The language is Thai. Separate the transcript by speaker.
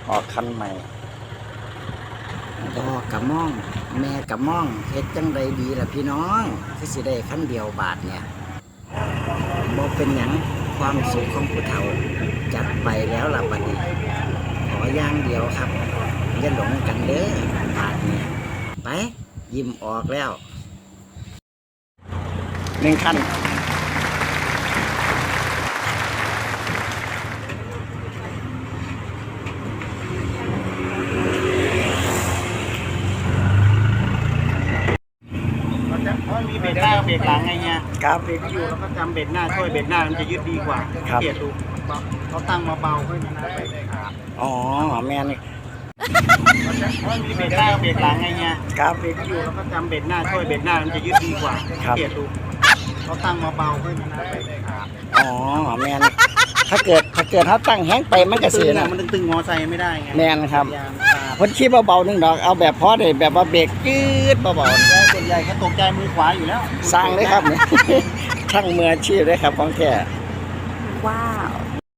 Speaker 1: ออกคันใหม่ดอกกะม่องแม่กะม่องเฮ็ดจังใดดีล่ะพี่น้องที่สิได้คันเดียวบาทเนี่ยบ่เป็นหยังความสุขของผู้เฒ่าจัดไปแล้วล่ะบัดนี้ขออย่างเดียวครับอย่าหลงกันเด้อบาทเนี่ยไปยิ้มออกแล้ว1 คัน
Speaker 2: มีเบรกหน้าเบรกหลังไงเนี่ย
Speaker 1: ครับ
Speaker 2: เบรกที่อยู่แล้วก็จำเบรกหน้าช่วยเบรกหน้ามันจะยืดดีกว่า
Speaker 1: ครับ
Speaker 2: เกียรดูเขาตั้งมาเบาขึ้นนะ
Speaker 1: อ๋อแม่นี่
Speaker 2: มีเบรกหน้าเบรกหลังไงเนี่ย
Speaker 1: ครับ
Speaker 2: เบรกที่อยู่แล้วก็จำเบรกหน้าช่วยเบรกหน้ามันจะยืดดีกว่า
Speaker 1: ครับ
Speaker 2: เกียรดูเขาตั้งมาเบาขึ้นนะ
Speaker 1: อ๋อแม่นี่ถ้าเกิดเขาตั้งแห้งไปมันก็
Speaker 2: ตึ
Speaker 1: เสีย
Speaker 2: ง
Speaker 1: นะ
Speaker 2: มันตึงมอไซค์ไม่ได้ไง
Speaker 1: แม่นครับ
Speaker 2: ยางตา
Speaker 1: พ้นขี้เบาๆนึงดอกเอาแบบพอได้แบบว่าเบรกยืดเบาๆ
Speaker 2: ส่วนใหญ่เขาตกใจมือขวาอยู่แล้ว
Speaker 1: สร้างเลยครับเนี่ย ช่างมืออาชีพเลยครับของแท้
Speaker 3: ว้าว